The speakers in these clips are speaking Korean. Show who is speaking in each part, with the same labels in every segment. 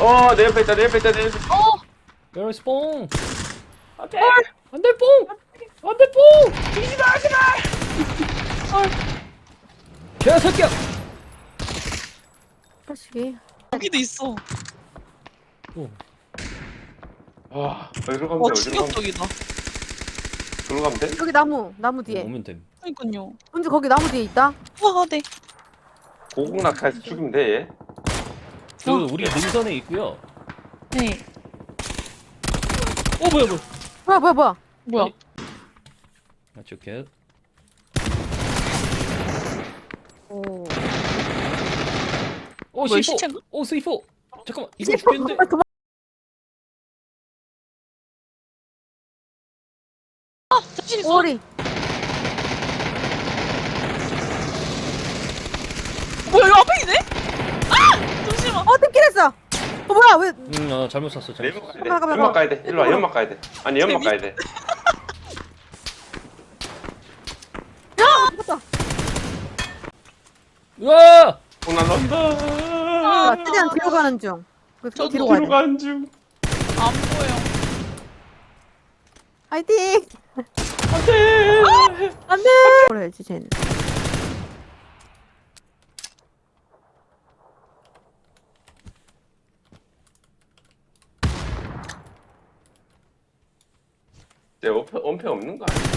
Speaker 1: 내 옆에 있다, 내 옆에 있다, 내 옆에 있다.
Speaker 2: Where is 뽕?
Speaker 1: 안돼.
Speaker 2: 안돼 뽕! 안돼 뽕!
Speaker 1: 뒤지마, 하지마.
Speaker 2: 개새끼야!
Speaker 3: 다시.
Speaker 4: 여기도 있어.
Speaker 2: 오.
Speaker 1: 어디로 가면
Speaker 4: 와
Speaker 1: 돼, 어디로 가면 돼?
Speaker 4: 충격적이다.
Speaker 1: 어디로 가면 돼?
Speaker 3: 여기 나무 뒤에.
Speaker 2: 오면 됨.
Speaker 4: 그러니까요.
Speaker 3: 은주 거기 나무 뒤에 있다.
Speaker 4: 와 네.
Speaker 1: 고공낙하에서 죽이면 돼, 얘.
Speaker 2: 그 우리 능선에 있고요.
Speaker 4: 네.
Speaker 2: 뭐야.
Speaker 4: 뭐야?
Speaker 2: 맞죠, 개.
Speaker 3: 오.
Speaker 2: 오,
Speaker 4: 뭐야,
Speaker 2: C4.
Speaker 4: 시체인가?
Speaker 2: 오, C4. 잠깐만, 이거 죽겠는데.
Speaker 4: 잠시
Speaker 3: 오리.
Speaker 4: 뭐야 이거 앞에 있네? 아! 잠시만.
Speaker 3: 뜯기랬어. 뭐야 왜?
Speaker 2: 잘못 샀어, 잘못
Speaker 1: 연막
Speaker 2: 샀어.
Speaker 1: 가야 돼. 연막 가야 돼. 일로 와, 연막 가야 돼. 아니, 연막 가야 돼.
Speaker 3: 뜯었다.
Speaker 2: 으아!
Speaker 1: 나 난다.
Speaker 3: 아, 최대한 뒤로 가는 중.
Speaker 4: 저도
Speaker 3: 뒤로 가야
Speaker 1: 뒤로
Speaker 3: 돼.
Speaker 1: 가는 중.
Speaker 4: 안 보여.
Speaker 3: 화이팅.
Speaker 1: 안돼.
Speaker 3: 안돼. 그래야지 쟤는.
Speaker 1: 쟤 원패 없는 거 아니야?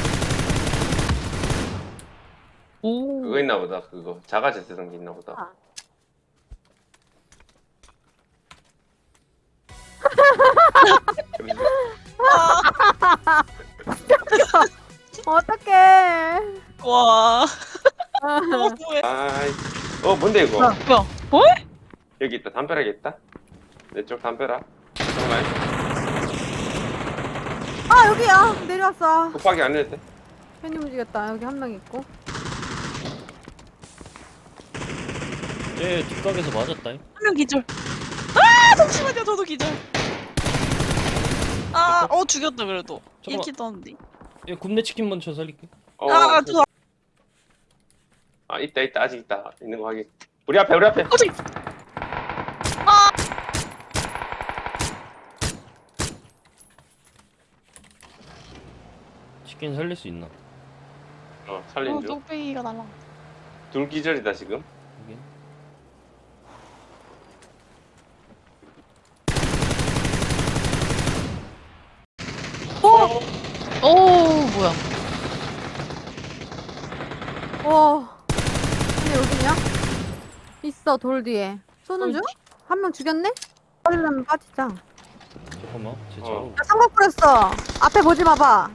Speaker 4: 오.
Speaker 1: 그거 있나 보다. 그거 자가 제세동기 있나 보다.
Speaker 3: 아. 어떡해.
Speaker 4: 와. 너무해.
Speaker 1: 아이. 뭔데 이거?
Speaker 3: 어.
Speaker 4: 뭐야? 뭐?
Speaker 1: 여기 있다. 담벼락에 있다. 내 쪽 담벼락. 잠깐만.
Speaker 3: 아 여기야. 내려왔어.
Speaker 1: 급하게 안 해도 돼.
Speaker 3: 괜히 움직였다. 여기 한 명 있고.
Speaker 2: 쟤 뒷각에서 맞았다.
Speaker 4: 한 명 기절. 아 잠시만요. 저도 기절. 아, 죽였다 그래도.
Speaker 2: 잠깐만.
Speaker 4: 1킬 떴는데.
Speaker 2: 얘 굽네 치킨 먼저 살릴게.
Speaker 4: 저
Speaker 1: 있다. 아직 있다. 있는 거 확인. 우리 앞에.
Speaker 4: 저기.
Speaker 2: 치킨 살릴 수 있나?
Speaker 1: 살린 중.
Speaker 4: 뚝배기가 날라.
Speaker 1: 둘 기절이다 지금.
Speaker 2: 여긴.
Speaker 4: 오, 뭐야?
Speaker 3: 근데 여기냐? 있어 돌 뒤에. 쏘는 중? 한 명 죽였네? 빠지려면 빠지자.
Speaker 2: 잠깐만, 쟤
Speaker 1: 어.
Speaker 2: 자로.
Speaker 3: 나 삼각 뿌렸어. 앞에 보지 마봐.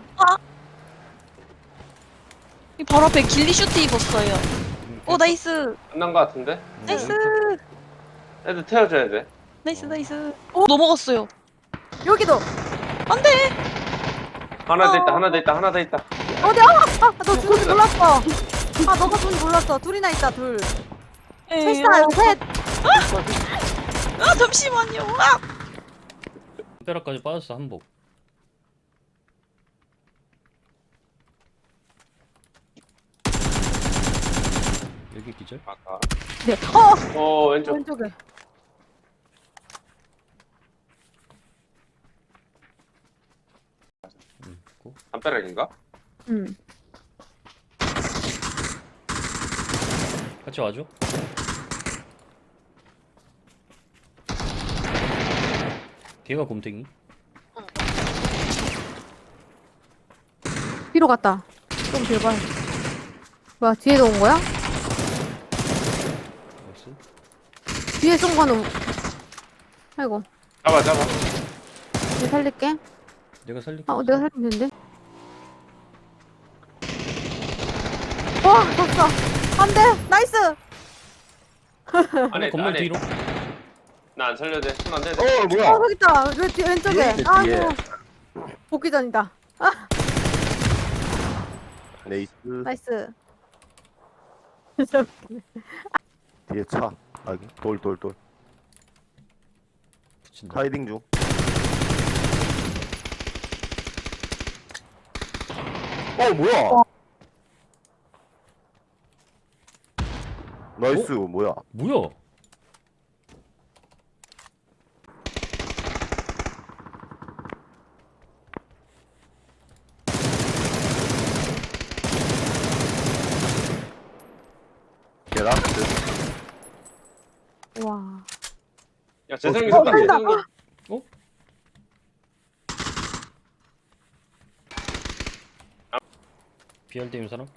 Speaker 4: 이 바로 앞에 길리 슈트 입었어요. 오, 나이스.
Speaker 1: 끝난 거 같은데?
Speaker 4: 나이스.
Speaker 1: 애들 태워줘야 돼.
Speaker 4: 나이스. 오, 넘어갔어요.
Speaker 3: 여기도.
Speaker 4: 안 돼.
Speaker 1: 하나 더 있다.
Speaker 3: 어디야? 너 죽은 줄 몰랐어. 너가 죽은 줄 몰랐어. 둘이나 있다 둘. 셋이다 여기 셋.
Speaker 4: 잠시만요.
Speaker 2: 뼈락까지 빠졌어, 한복. 여기 기절?
Speaker 1: 아까.
Speaker 3: 네.
Speaker 1: 왼쪽.
Speaker 3: 왼쪽에.
Speaker 2: 있고.
Speaker 1: 담벼락인가?
Speaker 3: 응.
Speaker 2: 같이 와줘. 걔가 곰탱이.
Speaker 3: 뒤로 갔다. 좀 뒤로 봐. 뭐야 뒤에도 온 거야?
Speaker 2: 나이스.
Speaker 3: 뒤에 쏜 거는. 아이고.
Speaker 1: 잡아.
Speaker 3: 얘 살릴게.
Speaker 2: 내가 살릴게.
Speaker 3: 내가 살리면 되는데. 와 졌어. 안돼. 나이스.
Speaker 1: 안에
Speaker 2: 건물 뒤로.
Speaker 1: 나 안 살려도 돼. 손 안 돼.
Speaker 3: 뭐야? 저기 있다. 왼쪽에.
Speaker 5: 뒤에 있네, 뒤에.
Speaker 3: 아이고. 복귀 전이다.
Speaker 5: 레이스
Speaker 3: 나이스.
Speaker 5: 뒤에 차. 돌.
Speaker 2: 붙인다.
Speaker 5: 카이딩 중. 뭐야? 나이스. 뭐야?
Speaker 2: 뭐야?
Speaker 5: 라스트.
Speaker 3: 와.
Speaker 1: 야 재성이
Speaker 5: 어,
Speaker 1: 쏜다.
Speaker 3: 간다.
Speaker 1: 재성이.
Speaker 2: BR 때문에 사람?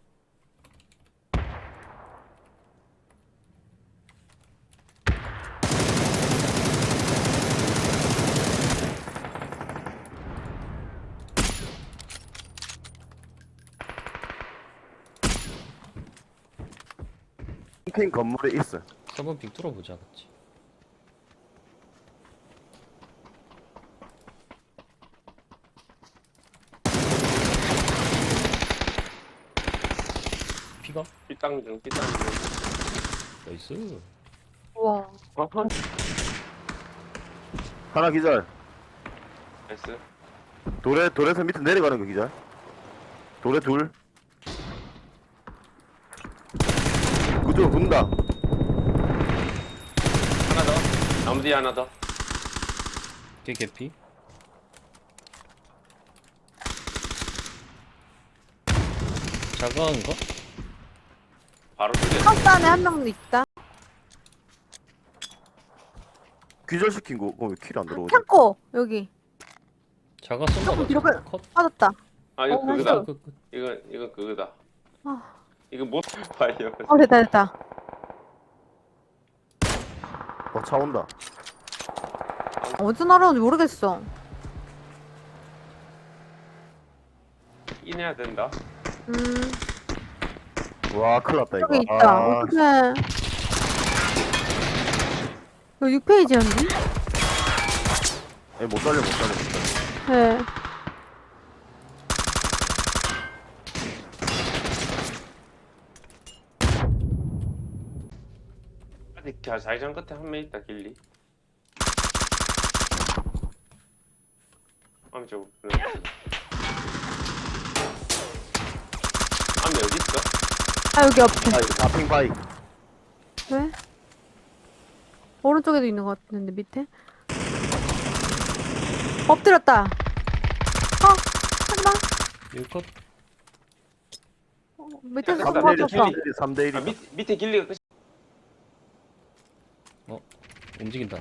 Speaker 5: 핑 건물에 있어.
Speaker 2: 3번 빙 뚫어보자 같이. 피가?
Speaker 1: 삐땅중 삐땅중.
Speaker 2: 나이스.
Speaker 3: 와.
Speaker 5: 하나 기절.
Speaker 1: 나이스.
Speaker 5: 돌에서 밑에 내려가는 거 기절. 돌에 둘. 그쪽으로 붙는다.
Speaker 1: 하나 더. 나무 뒤에 하나 더.
Speaker 2: 걔 개피. 자가한가?
Speaker 1: 바로 두개.
Speaker 3: 하우스 안에 한 명도 있다.
Speaker 5: 기절시킨 거, 왜 킬 안 들어오지?
Speaker 3: 창고 여기
Speaker 2: 자가 쏜가 봐.
Speaker 3: 뒤로
Speaker 2: 자가 컷.
Speaker 3: 빠졌다.
Speaker 1: 아 이거
Speaker 3: 어,
Speaker 1: 그거다.
Speaker 3: 나이스.
Speaker 2: 끝, 끝.
Speaker 1: 이건 그거다.
Speaker 3: 아.
Speaker 1: 이거 못 봐요.
Speaker 3: 됐다 됐다.
Speaker 5: 차 온다.
Speaker 3: 어디서 날아오는지 모르겠어.
Speaker 1: 인해야 된다.
Speaker 5: 와, 큰일 났다, 이거.
Speaker 3: 여기 있다.
Speaker 5: 아,
Speaker 3: 어떡해. 이거 6페이지였니?
Speaker 5: 못 살려, 못 살려, 못 살려.
Speaker 3: 네.
Speaker 1: 아직 자이장 끝에 한 명 있다 길리. 암쪽. 암 여기 있어?
Speaker 3: 아 여기 옆에.
Speaker 5: 다핑 바이.
Speaker 3: 왜? 오른쪽에도 있는 것 같은데 밑에? 엎드렸다. 하지마.
Speaker 2: 여기 컷.
Speaker 3: 밑에서
Speaker 1: 야,
Speaker 3: 손
Speaker 1: 잠깐만,
Speaker 3: 맞췄어.
Speaker 5: 3대 1.
Speaker 1: 아 밑에 길리가 끝이.
Speaker 2: 움직인다.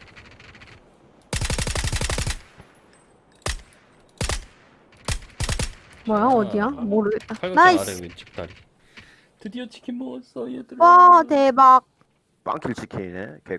Speaker 3: 뭐야 어디야? 모르겠다.
Speaker 2: 팔각정
Speaker 3: 나이스.
Speaker 2: 아래 왼쪽 다리. 드디어 치킨 먹었어 얘들아.
Speaker 3: 와 대박.
Speaker 5: 빵킬 치킨이네. 개